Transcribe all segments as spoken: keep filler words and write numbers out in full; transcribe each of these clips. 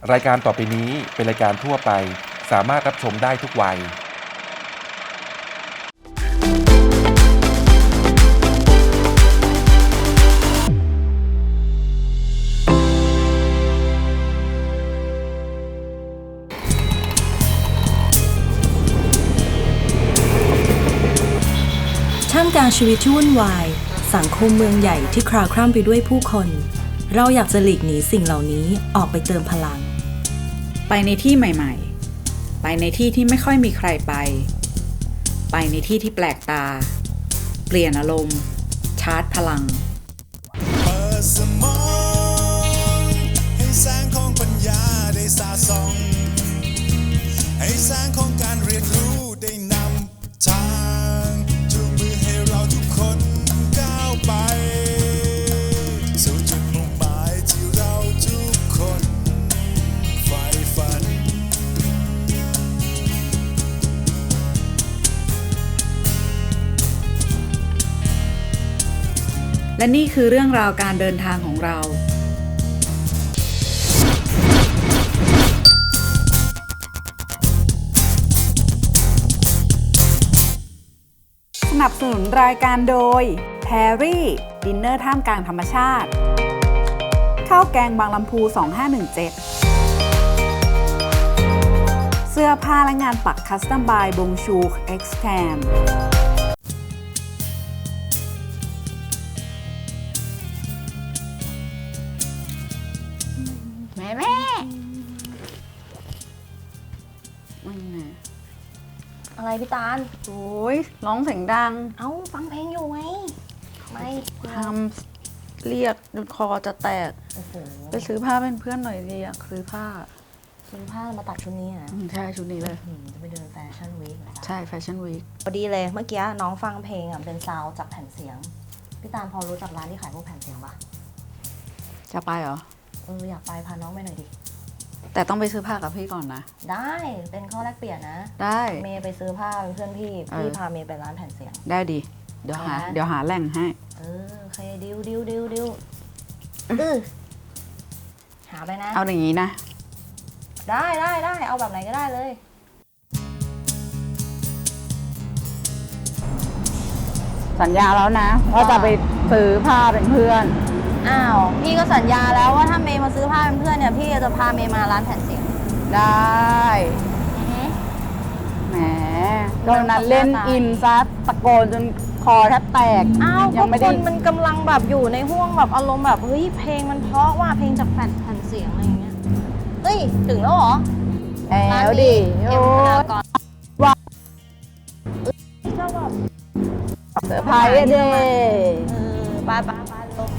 รายการต่อไปนี้เป็นรายการทั่วไปสามารถรับชมได้ทุกวัยท่ามกลางชีวิตที่วุ่นวายสังคมเมืองใหญ่ที่คลาคล่ำไปด้วยผู้คนเราอยากจะหลีกหนีสิ่งเหล่านี้ออกไปเติมพลังไปในที่ใหม่ๆไปในที่ที่ไม่ค่อยมีใครไปไปในที่ที่แปลกตาเปลี่ยนอารมณ์ชาร์จพลังเปิดสมองให้แสงของปัญญาได้สาส่องให้แสงของการเรียนรู้ได้นำทางจูงมือให้เราทุกคนก้าวไปสู่จุดมุ่งหมายที่เราทุกคนใฝ่ฝันและนี่คือเรื่องราวการเดินทางของเราสนับสนุนรายการโดยแพรรี่ดินเนอร์ท่ามกลางธรรมชาติข้าวแกงบางลำพูสองห้าหนึ่งเจ็ดเสื้อผ้าและงานปักคัสตอมบายบงชูเอ็กซ์แคมแม่แม่มันไงอะไรพี่ตาลโอ้ยร้องเสียงดังเอ้าฟังเพลงอยู่ไงไม่ทำเรียกจนคอจะแตกโอ้โหไปซื้อผ้าเป็นเพื่อนหน่อยดิอยากซื้อผ้าซื้อผ้ามาตัดชุดนี้นะใช่ชุดนี้เลยจะไปเดินแฟชั่นวีคเหรอใช่แฟชั่นวีคพอดีเลยเมื่อกี้น้องฟังเพลงอ่ะเป็นซาวจากแผ่นเสียงพี่ตาลพอรู้จักร้านที่ขายพวกแผ่นเสียงปะจะไปเหรอเอออยากไปพาน้องไปหน่อยดิแต่ต้องไปซื้อผ้ากับพี่ก่อนนะได้เป็นข้อแลกเปลี่ยนนะได้เมย์ไปซื้อผ้าเป็นเพื่อนพี่พี่พาเมย์ไปร้านแผ่นเสียงได้ดิเดี๋ยวหาเดี๋ยวหาแหล่งให้เออโอเคดิวดิวดิวดิวเออหาไปนะเอาอย่างนี้นะได้ได้ได้เอาแบบไหนก็ได้เลยสัญญาแล้วนะว่าจะไปซื้อผ้าเป็นเพื่อนอ้าวพี่ก็สัญญาแล้วว่าถ้าเมย์มาซื้อผ้าเป็นเพื่อนเนี่ยพี่จะพาเมย์มาร้านแผ่นเสียงได้แหมตอนนั้นเล่นอินซัดตะโกนจนคอแทบแตกอ้าวก็คนมันกำลังแบบอยู่ในห่วงแบบอารมณ์แบบเฮ้ยเพลงมันเพราะว่าเพลงจากแผ่นแผ่นเสียงอะไรอย่างเงี้ยเฮ้ยถึงแล้วเหรอแล้วดิโอ้ว่าจะแบบเซอร์ไพรส์เด้เออไปไปไปลง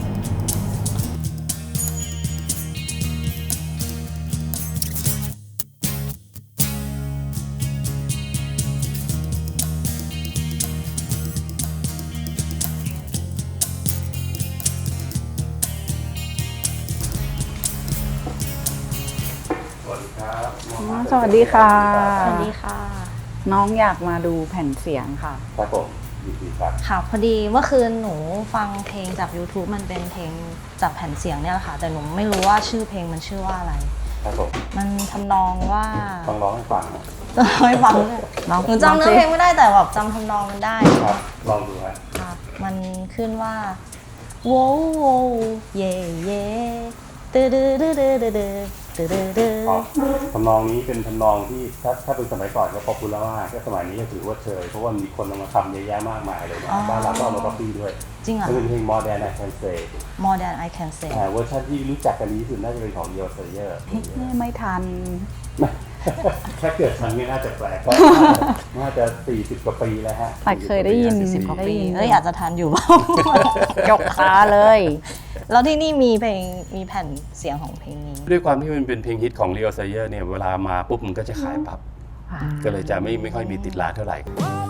สวัสดีค่ะสวัสดีค่ะน้องอยากมาดูแผ่นเสียงค่ะครับผมยินดีครับค่ะพอดีเมื่อคืนหนูฟังเพลงจาก YouTube มันเป็นเพลงจากแผ่นเสียงเนี่ยแหละค่ะแต่หนูไม่รู้ว่าชื่อเพลงมันชื่อว่าอะไรครับผมมันทำนองว่าต้องร้องให้ฟังให้ฟังเลยหนูจำเนื้อเพลงไม่ได้แต่แบบจำทำนองมันได้ครับลองดูครับมันขึ้นว่าโว้โวเย่เย่ตืดตืดตืดตืดทำนองนี้เป็นทำนองที่ถ้าถ้าเป็นสมัยก่อนก็พอพูดแล้วว่าก็สมัยนี้ก็ถือว่าเชยเพราะว่ามีคนเอามาทำเยอะแยะมากมายเลยนะบ้านเราก็เอามาก๊อปปี้ด้วยจริงอ่ะเป็นเพลง More Than I Can Say More Than I Can Say เวอร์ชันที่รู้จักกันดีที่สุดน่าจะเป็นของ Leo Sayer ไม่ทันแค่เกิดทันนี่น่าจะแปลกเพราะน่าจะสี่สิบกว่าปีแล้วฮะแต่เคยได้ยินสิบกว่าปีเอ้ยอาจจะทันอยู่บ้างยกขาเลยแล้วที่นี่มีเพลงมีแผ่นเสียงของเพลงนี้ด้วยความที่มันเป็นเพลงฮิตของ Leo Sayer เนี่ยเวลามาปุ๊บมันก็จะขายปั๊บก็เลยจะไม่ไม่ค่อยมีติดร้านเท่าไหร่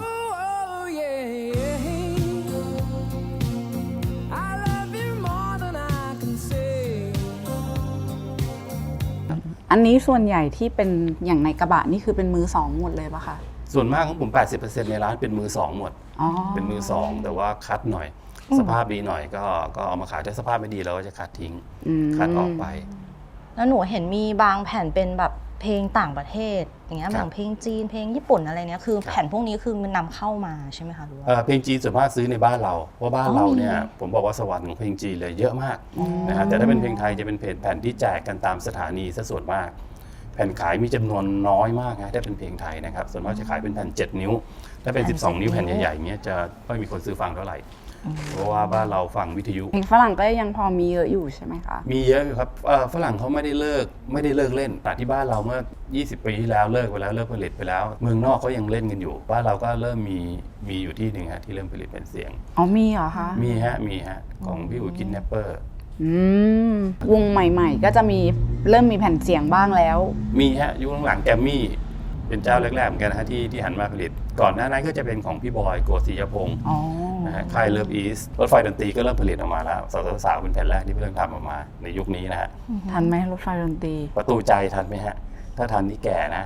อันนี้ส่วนใหญ่ที่เป็นอย่างในกระบะนี่คือเป็นมือสองหมดเลยปะคะส่วนมากของผม แปดสิบเปอร์เซ็นต์ ในร้านเป็นมือสองหมดเป็นมือสองแต่ว่าคัดหน่อยสภาพดีหน่อยก็ก็เอามาขายถ้าสภาพไม่ดีเราก็จะคัดทิ้งคัดออกไปแล้วหนูเห็นมีบางแผ่นเป็นแบบเพลงต่างประเทศอย่างเงี้ยครับอย่างเพลงจีนเพลงญี่ปุ่นอะไรเนี้ยคือครับแผ่นพวกนี้คือมันนำเข้ามาใช่ไหมคะหรือว่าเอ่อเพลงจีนส่วนมากซื้อในบ้านเราเพราะบ้านอ๋อเราเนี่ยมีผมบอกว่าสวรรค์ของเพลงจีนเลยเยอะมากนะฮะแต่ถ้าเป็นเพลงไทยจะเป็นเพลงแผ่นที่แจกกันตามสถานีซะส่วนมาก แผ่นขายมีจำนวนน้อยมากนะถ้าเป็นเพลงไทยนะครับส่วนมากจะขายเป็นแผ่นเจ็ดนิ้ว ถ้าเป็นแผ่นสิบสอง นิ้วเจ็ดแผ่นนิ้วใหญ่ๆเงี้ยจะไม่มีคนซื้อฟังเท่าไหร่ เพราะว่าบ้านเราฟังวิทยุเพลงฝรั่งก็ยังพอมีเยอะอยู่ใช่ไหมคะมีเยอะอยู่ครับเอ่อฝรั่งเขาไม่ได้เลิกไม่ได้เลิกเล่น แต่ที่บ้านเราเมื่อ ยี่สิบ ปีที่แล้วเลิกไปแล้วเลิกผลิตไปแล้ว เมืองนอกเขายังเล่นกันอยู่ บ้านเราก็เริ่มมีมีอยู่ที่หนึ่งฮะที่เริ่มผลิตเป็นเสียงอ๋อมีเหรอคะมีฮะมีฮะของพี่อุ๋ยกินแนปเปอร์อืมวงใหม่ๆ ก็จะมีเริ่มมีแผ่นเสียงบ้างแล้วมีฮะยุคหลังๆแกมมี่เป็นเจ้าแรกๆเหมือนกันนะฮะที่ที่หันมาผลิต ก่อนหน้านั้นก็จะเป็นของพี่บอยโกศิยพงศ์อ๋อนะฮะค่ายเลิฟอีสรถไฟดนตรีก็เริ่มผลิตออกมาแล้วสาวสาวๆเป็นแผ่นแรกที่เริ่มทำออกมาในยุคนี้นะฮะทันไหมรถไฟดนตรีประตูใจทันไหมฮะถ้าทันนี่แก่นะ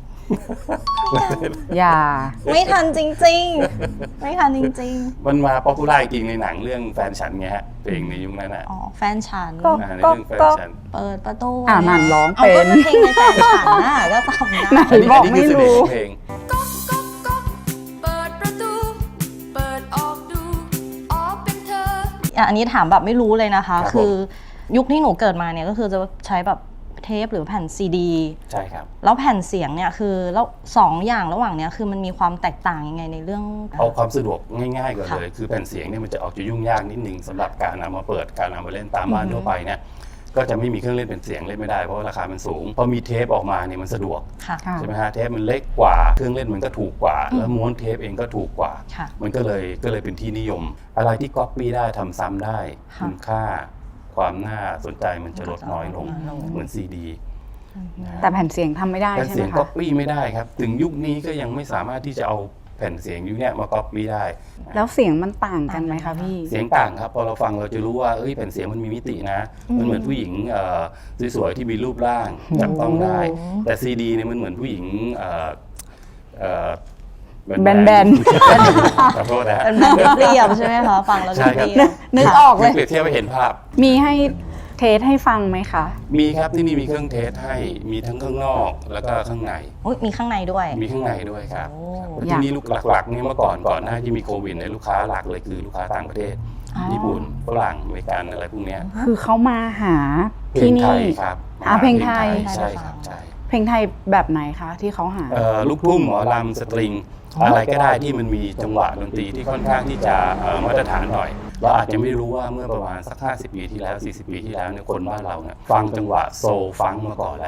อย่าไม่ทันจริงๆ ไม่ทันจริงมันมาป๊อปปูล่าจริงในหนังเรื่องแฟนฉันไงฮะเพลงในยุคนั้นน่ะๆ อ๋อแฟนฉันก็อ่าในเรื่องแฟนฉันเปิดประตูอ่านั่นร้องเอาเป็ก็นเป็นเพลงในแฟนฉันน่ะก็จำได้ไหนอันนี้บอกอันไม่นี้คือเสน่รู้ห์ของเพลงก๊อกก๊อกก๊อกเปิดประตู เปิดออกดู อ๋อเป็นเธออ่ะอันนี้ถามแบบไม่รู้เลยนะคะครับผมคือยุคที่หนูเกิดมาเนี่ยก็คือจะใช้แบบเทปหรือแผ่นซีดีใช่ครับแล้วแผ่นเสียงเนี่ยคือแล้วสองอย่างระหว่างเนี้ยคือมันมีความแตกต่างยังไงในเรื่องเอาความสะดวกง่ายๆก่อนค่ะเลย คือแผ่นเสียงเนี่ยมันจะออกจะยุ่งยากนิดนึงสำหรับการเอามาเปิดการเอามาเล่นตามบ้านทั่วไปเนี่ยก็จะไม่มีเครื่องเล่นเป็นเสียงเล่นไม่ได้เพราะว่าราคามันสูงพอมีเทปออกมาเนี่ยมันสะดวกค่ะค่ะใช่ไหมฮะเทปมันเล็กกว่าเครื่องเล่นมันก็ถูกกว่า แล้วม้วนเทปเองก็ถูกกว่าค่ะมันก็เลยก็เลยเป็นที่นิยม อะไรที่ก๊อปปี้ได้ทำซ้ำได้ค่ะคุณค่า ความน่าสนใจมันจะลดน้อยลงน้อยลงเหมือนซีดีแต่แผ่นเสียงทำไม่ได้แผ่นใช่เสีไหยมงก๊อคะปปี้ไม่ได้ครับ ถึงยุคนี้ก็ยังไม่สามารถที่จะเอาแผ่นเสียงยุคเนี้ยมาก๊อปปี้ได้แล้วเสียงมันต่างกันไหมคะพี่เสียงต่างครับพอเราฟังเราจะรู้ว่าเอ้ยแผ่นเสียงมันมีมิตินะ มันเหมือนผู้หญิงเอ่อสวยๆที่มีรูปร่างจับต้องได้ แต่ซีดีเนี่ยมันเหมือนผู้หญิงเอ่อเอ่อแบนขอโทษนะฮะเป็นแบบเรียบๆใช่ไหมคะฟังแล้วใช่ครับเรียบนึกออกเลยเปรียบเทียบให้เห็นภาพมีให้เทสให้ฟังไหมคะมีครับที่นี่มีเครื่องเทสให้มีทั้งข้างนอกแล้วก็ข้างในอุ๊ยมีข้างในด้วยมีข้างในด้วยครับโอ้ครับที่นี่ลูกหลักๆเนี่ยเมื่อก่อนก่อนหน้าที่มีโควิดเนี่ยลูกค้าหลักเลยคือลูกค้าต่างประเทศ ญี่ปุ่นฝรั่งอเมริกันอะไรพวกเนี้ยคือเขามาหาเพลที่งไทนี่ยครับอ่าเพลงไทยใช่ครับใช่เพลงไทยแบบไหนคะที่เขาหาเอ่อลูกทุ่งหมอลำสตริง อะไรก็ได้ที่มันมีจังหวะดนตรีที่ค่อนข้างที่จะเอ่อมาตรฐานหน่อย เราอาจจะไม่รู้ว่าเมื่อประมาณสักห้าสิบปีที่แล้วสี่สิบปีที่แล้วเนี่ยคนบ้านเราเนี่ยฟังจังหวะโซลฟังมาก่อนแล้ว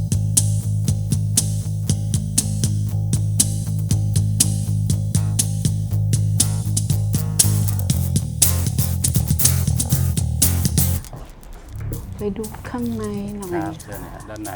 ไปดูข้างในหน่อยครับเชิญนะฮะด้านใน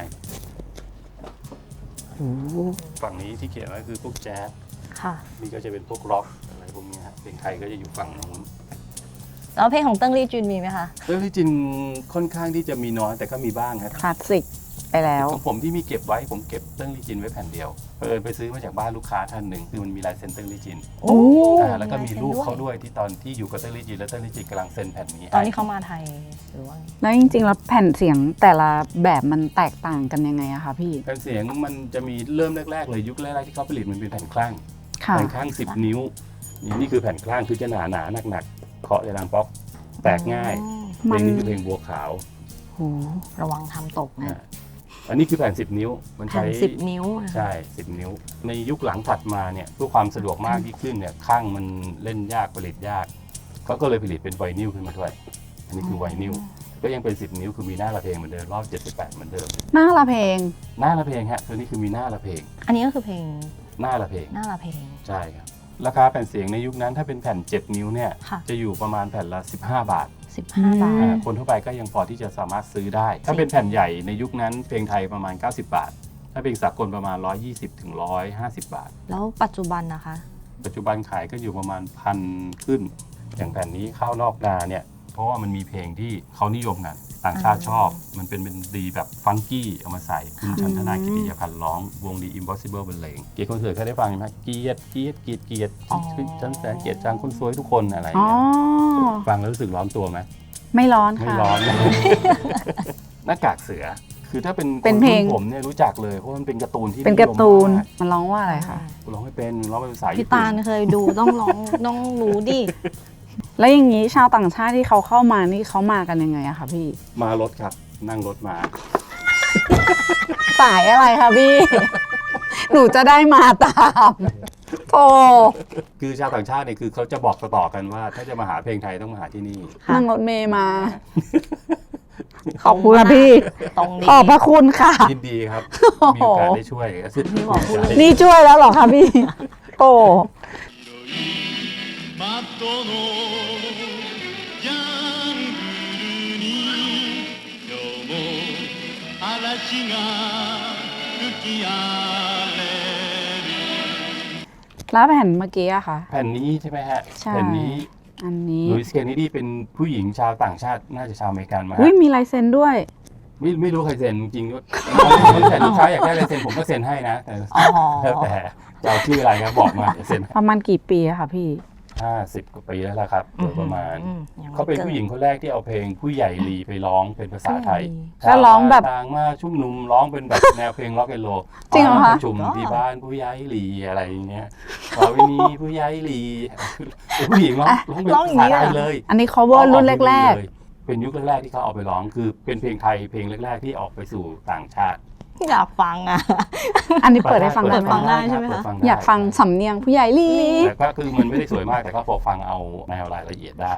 ฝั่งนี้ที่เขียนไว้คือพวกแจ๊สค่ะนี่ก็จะเป็นพวกร็อกอะไรพวกนี้ฮะเพลงไทยก็จะอยู่ฝั่งนู้นแล้วเพลงของเติ้งลี่จุนมีไหมคะเรื่องที่จริงค่อนข้างที่จะมีน้อยแต่ก็มีบ้างครับคลาสสิกไปแล้วของผมที่มีเก็บไว้ผมเก็บเติ้งลี่จินไว้แผ่นเดียวเออไปซื้อมาจากบ้านลูกค้าท่านหนึ่งคือมันมีลายเซ็นเติ้งลี่จินโอ้อ่าแล้วก็มีรูปเขาด้วยที่ตอนที่อยู่กับเติ้งลี่จินแล้วเติ้งลี่จินกำลังเซ็นแผ่นนี้ตอนให้ที่เขามาไทยหรือว่าไงแล้วจริงๆแล้วแผ่นเสียงแต่ละแบบมันแตกต่างกันยังไงอะคะพี่แผ่นเสียงมันจะมีเริ่มแรกๆเลยยุคแรกๆที่เขาผลิตมันเป็นแผ่นคลั่งค่ะแผ่นคลั่งสิบนิ้วนี่นี่คือแผ่นคลั่งคือจะหนาหนาๆหนักๆเคาะจะดังป๊อกแตกง่ายเพมัลนงนี้คือเพลงบัวขาวโหระวังทำตกนะอ่าอันนี้คือแผ่นสิบนิ้วมันแผ่ใช้นสิบนิ้วนะคะใช่สิบนิ้ว ในยุคหลังถัดมาเนี่ยเพื่อความสะดวกมากที่ขึ้นเนี่ยข้างมันเล่นยากผลิตยากเขาก็เลยผลิตเป็นไวนิลขึ้นมาด้วย อันนี้คือไวนิลก็ยังเป็นสิบนิ้วคือมีหน้าละเพลงเหมือนเดิมรอบเจ็ดสิบแปดเหมือนเดิมหน้าละเพลงหน้าละเพลงฮะตัวนี้คือมีหน้าละเพลงอันนี้ก็คือเพลงหน้าละเพลงหน้าละเพลงใช่ครับราคาแผ่นเสียงในยุคนั้นถ้าเป็นแผ่นเจ็ดนิ้วเนี่ยค่ะจะอยู่ประมาณแผ่นละสิบห้าบาทสิบห้าอืมบาทอ่าคนทั่วไปก็ยังพอที่จะสามารถซื้อได้ ถ้าเป็นแผ่นใหญ่ในยุคนั้นเพลงไทยประมาณเก้าสิบบาท ถ้าเพลงสากลประมาณหนึ่งร้อยยี่สิบถึงหนึ่งร้อยห้าสิบบาทแล้วปัจจุบันนะคะปัจจุบันขายก็อยู่ประมาณพันขึ้น อย่างแผ่นนี้ข้าวนอกนาเนี่ย เพราะว่ามันมีเพลงที่เขานิยมกันต่างชาติชอบ มันเป็นเป็นดีแบบฟังกี้เอามาใส่คุณชันธนากิติยพันธ์ร้องวงดี Impossible บรรเลงเกียรติคอนเสิร์ตเคยได้ฟังไหมครับเกียรติเกียรติเกียรติเกียรติอ๋อฉันแสนเกียรติจังคนสวยทุกคนอะไรอย่างอ๋อเงี้ยฟังแล้วรู้สึกร้อนตัวไหมไม่ร้อนไม่ค่ะร้อน หน้ากากเสือคือถ้าเป็นเป็นเพลงคนรุ่นผมเนี่ยรู้จักเลยเพราะมันเป็นการ์ตูนที่เป็นการ์ตูนนิยมมากมันร้องว่าอะไรคะร้องไม่เป็นร้องเป็นภาษาพี่ญี่ปุ่ตาน ลเคยดูต้องร้องต้องรู้ดิแล้วอย่างนี้ชาวต่างชาติที่เขาเข้ามานี่เขามากันยังไงอะคะพี่มารถครับนั่งรถมาสายอะไรคะพี่ หนูจะได้มาตามโธ่คือชาวต่างชาติเนี่ยคือเขาจะบอกต่อๆกันว่า ถ้าจะมาหาเพลงไทยต้องมาหาที่นี่นั่งรถเมย์มา ขอบคุณค่ะพี่ตรงดีขอบพระคุณค่ะยินดีครับโอ้โหมีโอกาสได้ช่วยก็สุดพี่บอกพูดเลยนี่ช่วยแล้วเหรอคะพี่ โอ้窓のジャングルに今日も嵐が吹き荒れるแล้วแผ่นเมื่อกี้อะค่ะแผ่นนี้ใช่ไหมฮะใช่แผ่นนี้อันนี้ลุยส์เคนเนดีเป็นผู้หญิงชาวต่างชาติน่าจะชาวอเมริกันมาอุ้ยฮะมีลายเซ็นด้วยไม่ไม่รู้ใครเซ็นจริงๆด้วยแต่ลูกค้าอยากได้ลายเซ็นผมก็เซ็นให้นะแต่อ๋อแล้วแต่จะเอาชื่ออะไรครับบอกมาเดี๋ยวเซ็นประมาณกี่ปีอะคะพี่ห้าสิบกว่าปีแล้วล่ะครับโดยประมาณอืมยังไม่เขาเป็นผู้หญิงคนแรกที่เอาเพลงผู้ใหญ่ลีไปร้องเป็นภาษาไทยก็ร้องแบบต่างมาชุ่มนุมร้องเป็นแบบแนวเพลงร็อกแอนด์โรลจริงเหรอคะประชุมที่บ้านผู้ใหญ่ลีอะไรอย่างเงี้ยขอวินีผู้ใหญ่ลีเป็นผู้หญิงร้องร้องเป็นร้องอภาย่างษานี้ไทเลย ยเหรอเลยอันนี้ cover รุ่นแรกเลยเป็นยุคแรกๆที่เขาเอาไปร้องคือเป็นเพลงไทยเพลงแรกๆที่ออกไปสู่ต่างชาติอยากฟังอ่ะๆ อันนี้เปิดให้ฟังได้เปิดไหมฟังได้ใช่ไหมคะเปิดด้อยากฟังสำเนียงผู้ใหญ่ลีแต่ก็คือมันไม่ได้สวยมากแต่ก็พอฟังเอาแนวรายละเอียดได้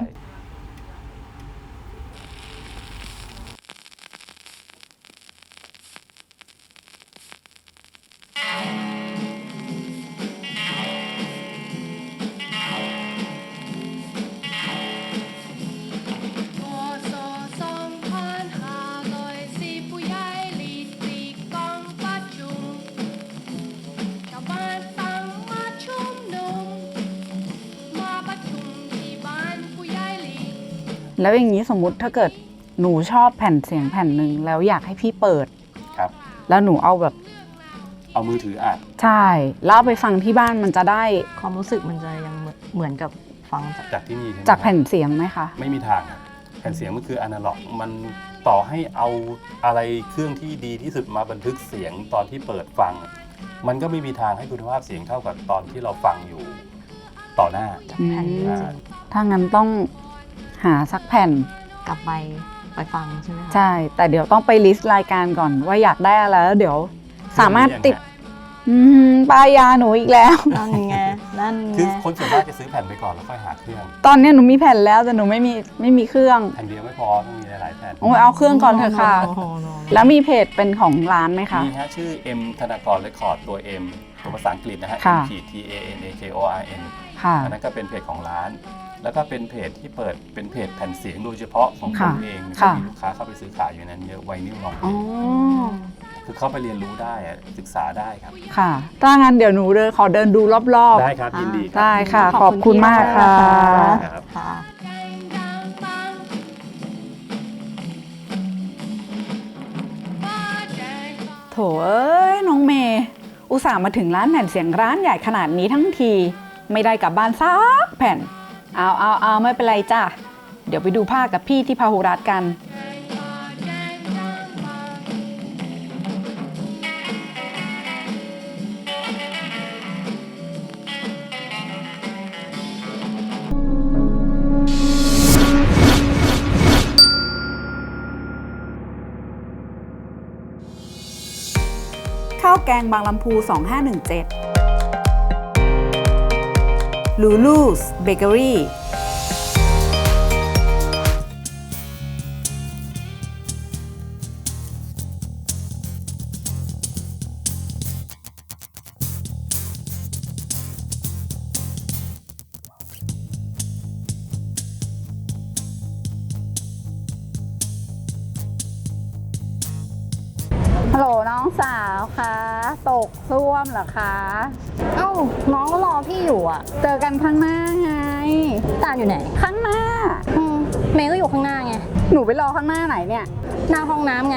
พศสองพันห้าร้อยสี่ผู้ใหญ่ลีดตีกองประชุมชาวบ้านตั้งมาชุมนุมมาประชุมที่บ้านผู้ใหญ่ลีดแล้วอย่างนี้สมมุติถ้าเกิดหนูชอบแผ่นเสียงแผ่นหนึ่งแล้วอยากให้พี่เปิดครับแล้วหนูเอาแบบเอามือถืออ่านใช่แล้วเอาไปฟังที่บ้านมันจะได้ความรู้สึกมันจะยังเหมือนเหมือนกับฟังจากจากที่นี่ใช่ไหมจากแผ่นเสียงไหมคะไม่มีทางครับแผ่นเสียงมันคืออนาล็อกมันต่อให้เอาอะไรเครื่องที่ดีที่สุดมาบันทึกเสียงตอนที่เปิดฟัง มันก็ไม่มีทางให้คุณภาพเสียงเท่ากับตอนที่เราฟังอยู่ต่อหน้าจากแผ่นจริอ่างถ้างั้นต้องหาสักแผ่นๆกลับไปไปฟังใช่ไหมคะใช่ แต่เดี๋ยวต้องไปลิสต์รายการก่อนว่าอยากได้อะไรแล้วเดี๋ยว สามารถติด อืมปลายยาหนูอีกแล้วนั่นไงนั่นไงคือคนส่วนมากจะซื้อแผ่นไปก่อนแล้วค่อยหาเครื่องตอนเนี้ยหนูมีแผ่นแล้วแต่หนูไม่มีไม่มีเครื่องแผ่นเดียวไม่พอต้องมีหลายๆแผ่นโอ้ยเอาเครื่องก่อนเถอะค่ะโโหโนแล้วมีเพจเป็นของร้านไหมคะมีฮะชื่อ M ธนากรเรคคอร์ดตัว M ตัวภาษาอังกฤษนะฮะค่ะ M ขีด T A N A K O R N ค่ะอันนั้นก็เป็นเพจของร้าน แล้วก็เป็นเพจที่เปิดเป็นเพจแผ่นเสียงโดยเฉพาะของผค่ะมเองก็ค่ะมีลูกค้าเข้าไปซื้อขายอยู่นั้นเยอะไวนิลลองเพลอ๋องคือเข้าไปเรียนรู้ได้อะศึกษาได้ครับค่ะถ้างั้นเดี๋ยวหนูเดินขอเดินดูรอบๆได้ครับยินดีครับได้ค่ะ ขอบคุณมากค่ะครับค่ะโถเอ้ยน้องเมย์อุตส่าห์มาถึงร้านแผ่นเสียงร้านใหญ่ขนาดนี้ทั้งที ไม่ได้กลับบ้านซักแผ่น เอาเอาเอาไม่เป็นไรจ้ะ เดี๋ยวไปดูภาคกับพี่ที่พาหุรัตน์กัน ข้าวแกงบางลำพู สองห้าหนึ่งเจ็ด Lulu's Bakery ฮัลโหลน้องสาวคะตกซ่วมเหรอคะเอ้าน้องก็รอพี่อยู่อ่ะเจอกันข้างหน้าไงตาลอยู่ไหนข้างหน้าอืมเมย์ก็อยู่ข้างหน้าไงหนูไปรอข้างหน้าไหนเนี่ยหน้าห้องน้ำไง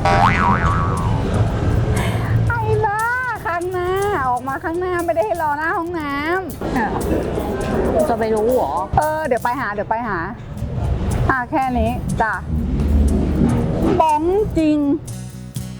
ไอ้บ้าข้างหน้า ออกมาข้างหน้าไม่ได้ให้รอหน้าห้องน้อ้าวจะไปรู้เหรอำเออ เดี๋ยวไปหา เดี๋ยวไปหาอ่ะแค่นี้จ้ะบ้องจริง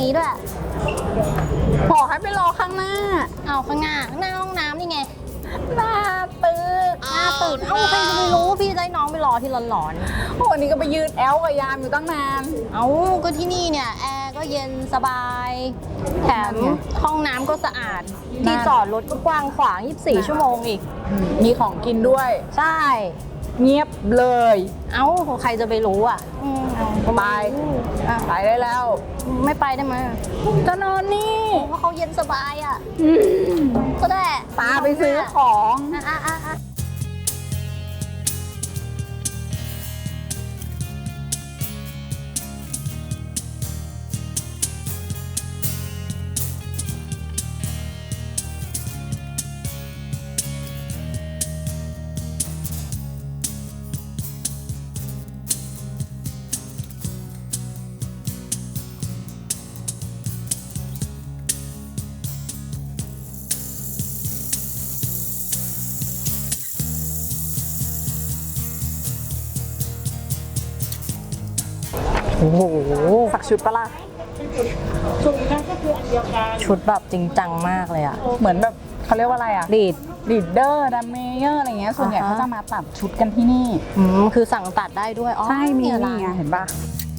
นี้ด้วยบอกให้ไปรอข้างหน้าเอาข้างหน้าข้างหน้าห้องน้ำนี่ไงหน้าตึกหน้าตึกเอ้าใครจะไปรู้พี่จะให้น้องไปรอที่ร้อนโอ้วันนี้ก็ไปยืนแอลกับยามอยู่ตั้งนานๆเอ้าก็ที่นี่เนี่ยแอร์ก็เย็นสบาย แถมห้องน้ำก็สะอาด ที่จอดรถก็กว้างขวางยี่สิบสี่ชั่วโมงอีกมีของกินด้วยใช่เงียบเลยเอ้าใครจะไปรู้อ่ะอืมเอาไปอ่ะไปได้แล้วไม่ไปได้ไหมจะนอนนี่เพราะเขาเย็นสบายอ่ะก็ได้ตาไปซื้อของอ่ะอ่ะอ่ะอ่ะโอ้โหสักชุดปะล่ะชุดแบบจริงจังมากเลยอ่ะเหมือนแบบเขาเรียกว่าอะไรอ่ะดีดลีดเดอร์ดัมเมเยอร์อะไรเงี้ย ส่วนใหญ่อ่าฮะเขาจะมาตัดชุดกันที่นี่อืมคือสั่งตัดได้ด้วยอ๋อใช่ มีอะไรนี่ไงเห็นปะ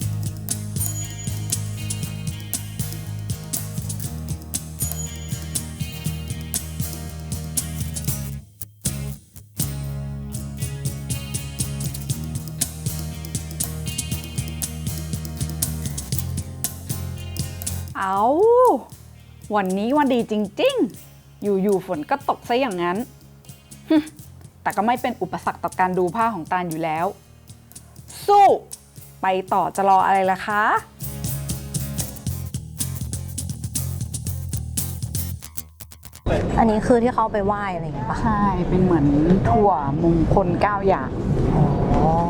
เอาวันนี้วันดีจริงๆ อยู่ๆฝนก็ตกซะอย่างนั้นฮึแต่ก็ไม่เป็นอุปสรรคต่อการดูผ้าของตาลอยู่แล้ว สู้ ไปต่อจะรออะไรล่ะคะอันนี้คือที่เขาไปไหว้อะไรอย่างเงี้ยป่ะใช่ เป็นเหมือนถั่วมงคลเก้าอย่างอ๋อ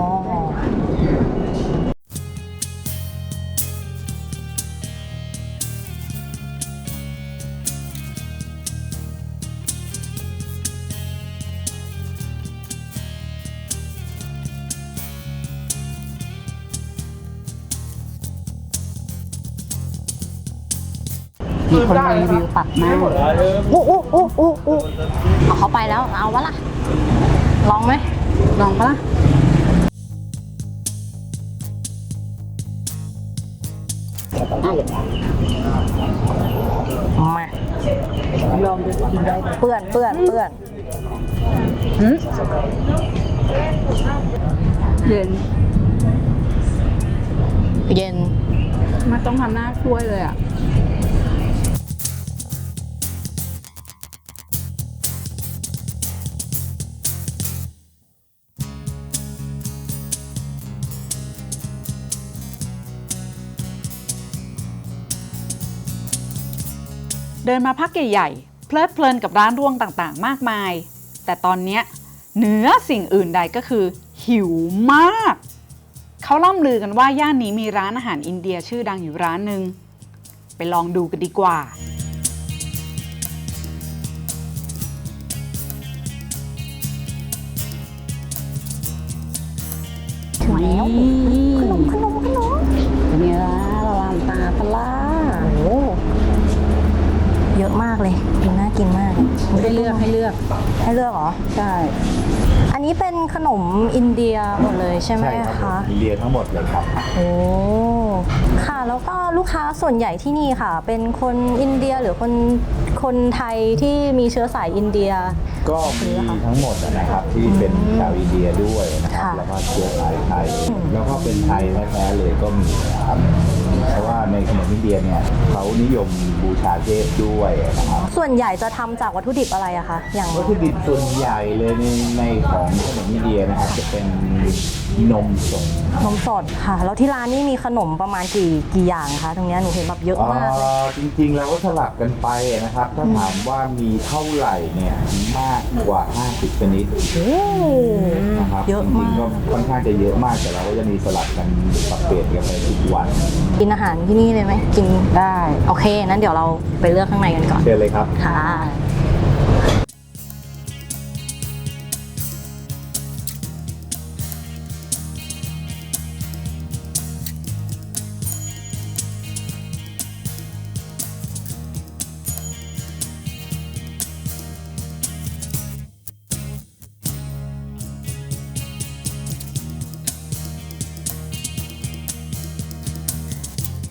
มีคนรีวิวตัดหน้าอู้อู้อู้อู้อู้เอาเขาไปแล้วเอาวะล่ะ ลองไหมลองปะล่ะมาลองดูเปื้อนเปื้อนเปื้อนหืมเย็นเย็นไม่ต้องทำหน้าช่วยเลยอ่ะ เดินมาพักใหญ่ๆ เพลิดเพลินกับร้านร่วงต่างๆ มากมาย แต่ตอนเนี้ยเหนือสิ่งอื่นใดก็คือ หิวมาก เขาล่ำลือกันว่าย่านนี้มีร้านอาหารอินเดียชื่อดังอยู่ร้านหนึ่งไปลองดูกันดีกว่าถึงแล้วขนมขนมขนมเป็นไงล่ะละลานตาปะล่ะโอ้เยอะมากเลยกินน่ากินมากให้เลือกให้เลือกให้เลือกเหรอใช่อันนี้เป็นขนมอินเดียหมดเลยใช่ไหมใช่ครับคะอินเดียทั้งหมดเลยครับโอ้ ค่ะ แล้วก็ลูกค้าส่วนใหญ่ที่นี่ค่ะ เป็นคนอินเดียหรือคนคนไทยที่มีเชื้อสายอินเดียก็มีทั้งหมดนะครับที่เป็นชาวอินเดียด้วยนะครับค่ะแล้วก็เชื้อสายไทย แล้วก็เป็นไทยแท้ๆเลยก็มีนะครับ เพราะว่าในขนมอินเดียเนี่ยเขานิยมบูชาเทพด้วยนะครับส่วนใหญ่จะทำจากวัตถุดิบอะไรอะคะ อย่างวัตถุดิบส่วนใหญ่เลยในในของขนมอินเดียนะครับจะเป็นนมสดนมสดค่ะ แล้วที่ร้านนี่มีขนมประมาณกี่กี่อย่างคะ ตรงเนี้ยหนูเห็นแบบเยอะมากเลยอ่าจริงๆเราก็สลับกันไปนะครับ ถ้าถามว่ามีเท่าไหร่เนี่ยมากกว่า ห้าสิบ ชนิดโอ้นะครับเยอะจริมางๆกก็ค่อนข้างจะเยอะมากแต่เราก็จะมีสลับกันปรับเปลี่ยนกันไปทุกวันกินอาหารที่นี่เลยไหมกินได้โอเค นั้นเดี๋ยวเราไปเลือกข้างในกันก่อนเชิญเลยครับค่ะอ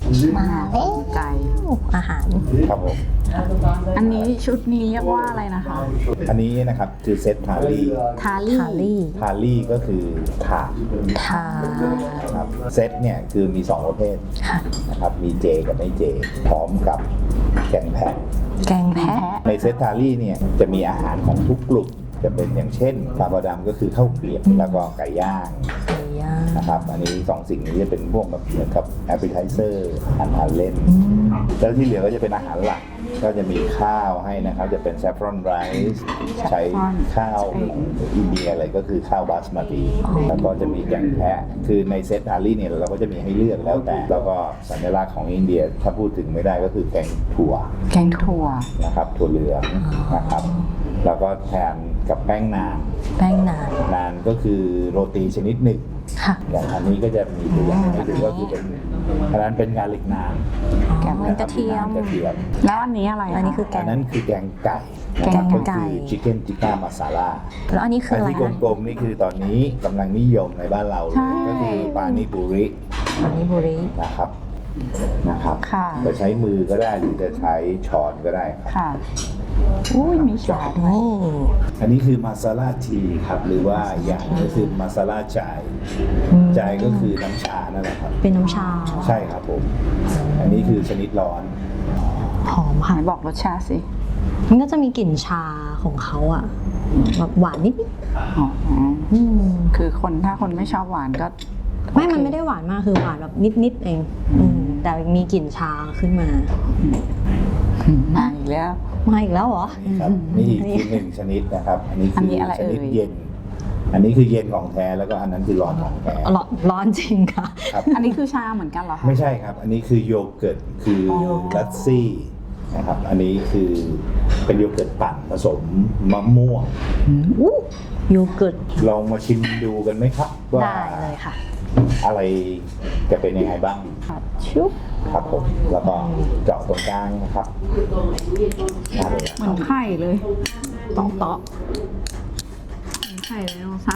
มาแล้วไก่อาหารครับผมอันนี้ชุดนี้เรียกว่าอะไรนะคะอันนี้นะครับคือเซตทาลี่ทาลี่ทาลี่ทาลี่ก็คือถาดทานะครับเซตเนี่ยคือมีสองประเภทค่ะนะครับมีเจกับไม่เจ พร้อมกับแกงแพะแกงแพะในเซตทาลี่เนี่ยจะมีอาหารของทุกกลุ่มจะเป็นอย่างเช่นปลาบดำก็คือข้าวเกรียบแล้วก็ไก่ย่างไก่ย่างนะครับอันนี้สองสิ่งนี้จะเป็นพวกแบบเหมือนกับแอปเปิลไทเซอร์อาหารเล่น แล้วที่เหลือก็จะเป็นอาหารหลัก ก็จะมีข้าวให้นะครับ จะเป็น saffron rice ใช้ข้าวอินเดียอะไรก็คือข้าวบาสมาติแล้วก็จะมีแกงแพะ คือในเซตทาลี่เนี่ยเราก็จะมีให้เลือกแล้วแต่ แล้วก็สัญลักษณ์ของอินเดียถ้าพูดถึงไม่ได้ก็คือแกงถั่วแกงถั่วนะครับถั่วเหลืองนะครับ แล้วก็แทนกับแป้งนานแป้งนานนานก็คือโรตีชนิดหนึ่งค่ะอย่างอันนี้ก็จะมีตัวอย่างให้ดูก็คือเป็นอันนั้นเป็นกาลิกนานแกงมันกระเทียมกระเทียมแล้วอันนี้อะไระอันนี้คือแกอังนนั้นคือแกงไก่นะครับแกก็งไก่คือชิคเก้นจิก้ามาซาลาแล้วอันนี้คืออันอะไรที่คะกลมๆนี่คือตอนนี้กำลังนิยมในบ้านเราเลยก็คือปานิปุริอันนี้บุรีนะครับนะครับค่ะจะใช้มือก็ได้หรือจะใช้ช้อนก็ได้ครับค่ะ อุ้ยมีชาด้วยนี่อันนี้คือมาซาลาทีครับหรือว่าอย่างก็คือมาซาลาจายจายก็คือน้ำชานั่นแหละครับเป็นน้ำชาใช่ครับผม อันนี้คือชนิดร้อนหอมไหค่ะนบอกรสชาติสิมันก็จะมีกลิ่นชาของเขาอะแบบหวานนิดอ๋อๆอืมคือคนถ้าคนไม่ชอบหวานก็ไม่ มันไม่ได้หวานมาก คือหวานแบบนิดๆเองอืมแต่มีกลิ่นชาขึ้นมามาอีกแล้วมาอีกแล้วเหรอนี่ครับนี่อีกคือหนึ่งชนิดนะครับ อันนี้อันคืนี้ออะไรชนิดเอ่ยเย็น อันนี้คือเย็นของแท้แล้วก็อันนั้นคือร้อนของแท้ร้อนร้อนจริงค่ะครับอันนี้คือชาเหมือนกันเหรอคะไม่ใช่ครับ อันนี้คือโยเกิร์ตคือลัตซี่นะครับ อันนี้คือเป็นโยเกิร์ตปั่นผสมมะม่วงอู้โยเกิร์ตลองมาชิมดูกันไหมครับ ว่าได้เลยค่ะอะไรจะเป็นยังไงบ้างชุบครับผม แล้วก็เจาะตรงกลางนะครับได้เลยเหมือนไข่เลยตอกตอกเหมือนไข่เลยน้องสาว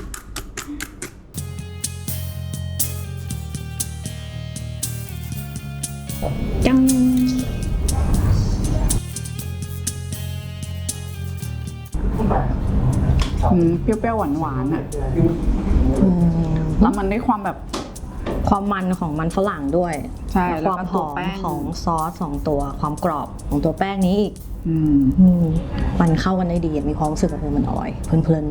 จังอืมเปรี้ยวๆหวานๆอ่ะอืมแล้วมันได้ความแบบความมันของมันฝรั่งด้วยใช่และแล้วความก็หตัวอมแป้งของซอสสองตัว ความกรอบของตัวแป้งนี้อีกอืมอืมมันเข้ากันได้ดีมีความรู้สึกแบบมันอร่อยเพลิน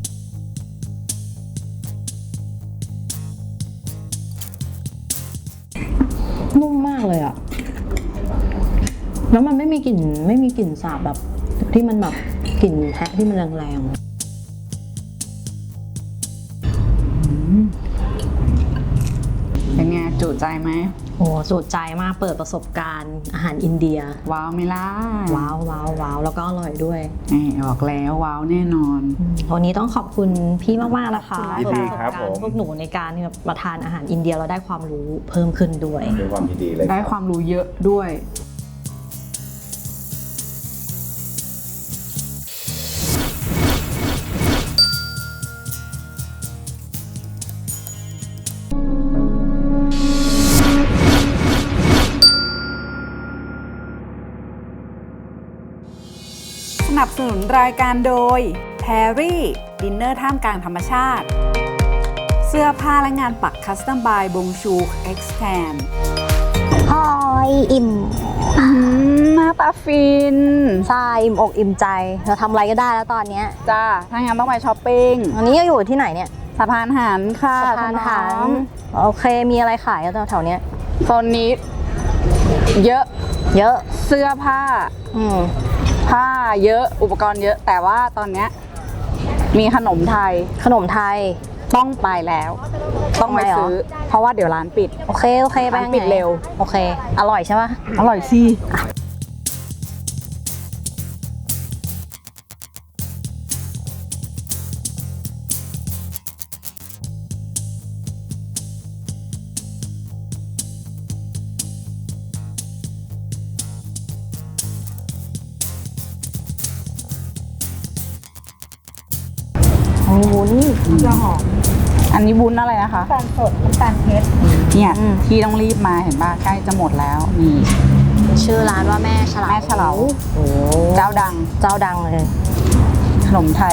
ๆนุ่มมากเลยอะแล้วมันไม่มีกลิ่นไม่มีกลิ่นสาบแบบ ที่มันแบบกลิ่นแพะที่มันแรงๆเป็นไงจุใจไหมโอ้สุดใจมากเปิดประสบการณ์อาหารอินเดียว้าวไหม่ล่ะว้าวว้าวว้าวแล้วก็อร่อยด้วยนี่บอกแล้วว้าวแน่นอนวันนี้ต้องขอบคุณพี่มาก ๆ นะคะยินดีครับเปิดปะสผมกาณ์พวกหนูในการที่แบบมาทานอาหารอินเดียเราได้ความรู้เพิ่มขึ้นด้วยด้วยความยินดีเลยได้รับความรู้เยอะด้วย สนับสนุนรายการโดย แพรรี่ดินเนอร์ท่ามกลางธรรมชาติ เสื้อผ้าและงานปักคัสตอมบายบงชูเอ็กซ์แทนพอยอิ่มหน้าตาฟินใช่อิ่มอกอิ่มใจ เราทำอะไรก็ได้แล้วตอนเนี้ยจ้า ถ้างั้นต้องไปช้อปปิ้งวันนี้ก็อยู่ที่ไหนเนี่ยสะพานหันค่ะสะพานหาคุณนน้องโอเคมีอะไรขายแถวๆเนี้ยโซนนี้เยอะเยอะเสื้อผ้าอืมผ้าเยอะอุปกรณ์เยอะ แต่ว่าตอนเนี้ยมีขนมไทยขนมไทยต้องไปแล้ว ต้องไปทำไมหรอซื้อ เพราะว่าเดี๋ยวร้านปิดโอเคโอเคไปร้านยังไงปิดเร็วโอเค อร่อยใช่ปะอร่อยสิโอ้โหนี่จะหอมอันนี้วุ้นอะไรนะคะน้ำตาลสดน้ำตาลเพชรเนี่ยอืมที่ต้องรีบมาเห็นป่ะใกล้จะหมดแล้วนี่ชื่อร้านว่าแม่ฉลาแม่เฉลาโอ้เจ้าดังเจ้าดังเลยขนมไทย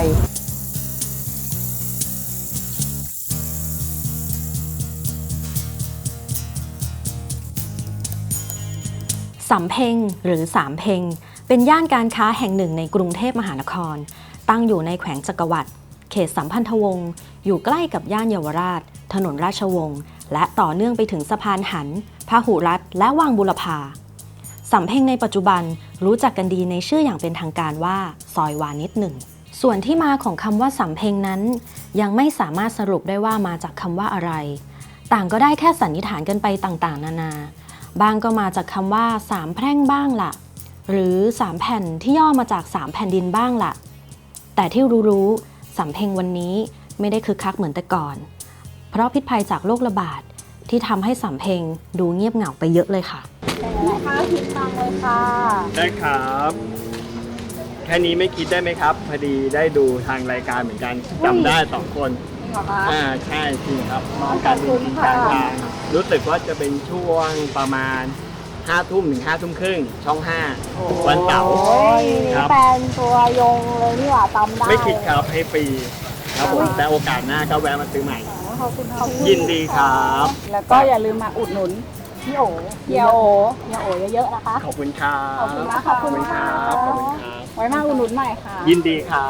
สำเพ็งหรือสามเพ็งเป็นย่านการค้าแห่งหนึ่งในกรุงเทพมหานคร ตั้งอยู่ในแขวงจักรวรรดิเขตสัมพันธวงศ์อยู่ใกล้กับย่านเยาวราช ถนนราชวงศ์และต่อเนื่องไปถึงสะพานหันพหุรัตน์และวังบุรพาสำเพ็งในปัจจุบันรู้จักกันดีในชื่ออย่างเป็นทางการว่าซอยวานิชหนึ่งส่วนที่มาของคำว่าสำเพ็งนั้น ยังไม่สามารถสรุปได้ว่ามาจากคำว่าอะไร ต่างก็ได้แค่สันนิษฐานกันไปต่างๆ นานาบางก็มาจากคำว่าสามแพร่งบ้างล่ะหรือสามแผ่นที่ย่อมาจากสามแผ่นดินบ้างล่ะแต่ที่รู้ๆสำเพ็งวันนี้ไม่ได้คึกคักเหมือนแต่ก่อน เพราะพิษภัยจากโรคระบาดที่ทำให้สำเพ็งดูเงียบเหงาไปเยอะเลยค่ะได้ครับ แค่นี้ไม่คิดได้ไหมครับ พอดีได้ดูทางรายการเหมือนกันจำได้สองคนอ่าใช่จริงครับมองการดูจริงกลางทางรู้สึกว่าจะเป็นช่วงประมาณห้าทุ่มถึงห้าทุ่มครึ่งช่องห้าวันเสาร์ครับแฟนตัวยงเลยนี่หว่าตำได้ไม่คิดครับให้ฟรีครับผมแต่โอกาสหน้าก็แวะมาซื้อใหม่ขอบคุณค่ะยินดีครับแล้วก็อย่าลืมมาอุดหนุนพี่โอ๋เฮียโอพี่โอ๋เยอะๆนะคะขอบคุณครับขอบคุณนะขอบคุณครับขอบคุณครับไว้มาอุดหนุนใหม่ค่ะยินดีครับ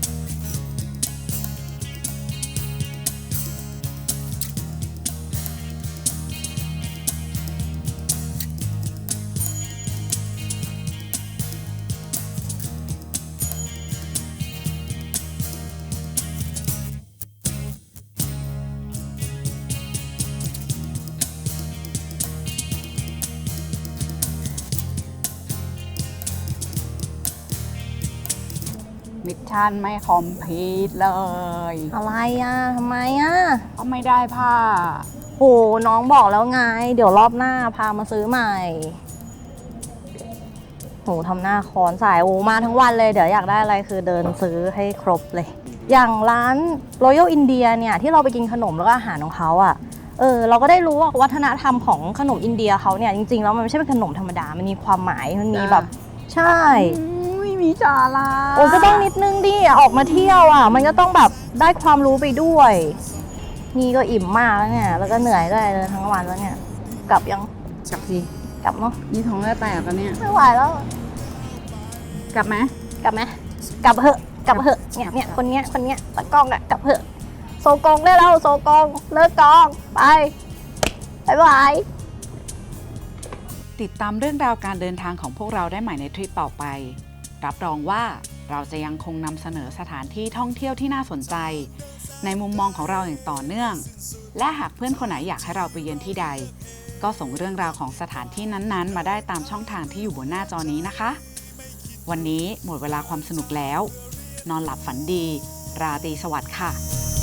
มิชชั่นไม่คอมพลีทเลยอะไรอ่ะทำไมอ่ะก็ไม่ได้ผ้าโหน้องบอกแล้วไง เดี๋ยวรอบหน้าพามาซื้อใหม่โหทำหน้าคอนสายโอ้มาทั้งวันเลยเดี๋ยวอยากได้อะไรคือเดินซื้อให้ครบเลย อย่างร้าน Royal India เนี่ยที่เราไปกินขนมแล้วก็อาหารของเขาอ่ะเออเราก็ได้รู้ว่าวัฒนธรรมของขนมอินเดียเขาเนี่ยจริงๆแล้วมันไม่ใช่เป็นขนมธรรมดามันมีความหมายมันมีแบบใช่อุ้ยมีจาราโอ้ก็ต้องนิดนึงดิออกมาเที่ยวอ่ะ มันก็ต้องแบบได้ความรู้ไปด้วย นี่ก็อิ่มมากแล้วเนี่ย แล้วก็เหนื่อยด้วยเลยทั้งวันแล้วเนี่ย กลับยังกลับสิกลับเนาะนี่ท้องได้แตกแล้วเนี่ยไม่ไหวแล้วกลับไหมกลับไหมกลับเหอะกลับเหอะเนี่ยเนี่ยคนเนี้ยคนเนี้ยตะกล้องอะกลับเหอะโซกองได้แล้วโซกองเลิกกองไปบ๊ายบายติดตามเรื่องราวการเดินทางของพวกเราได้ใหม่ในทริปต่อไป รับรองว่าเราจะยังคงนำเสนอสถานที่ท่องเที่ยวที่น่าสนใจ ในมุมมองของเราอย่างต่อเนื่อง และหากเพื่อนคนไหนอยากให้เราไปเยือนที่ใด ก็ส่งเรื่องราวของสถานที่นั้นๆ มาได้ตามช่องทางที่อยู่บนหน้าจอนี้นะคะ วันนี้หมดเวลาความสนุกแล้ว นอนหลับฝันดี ราตรีสวัสดิ์ค่ะ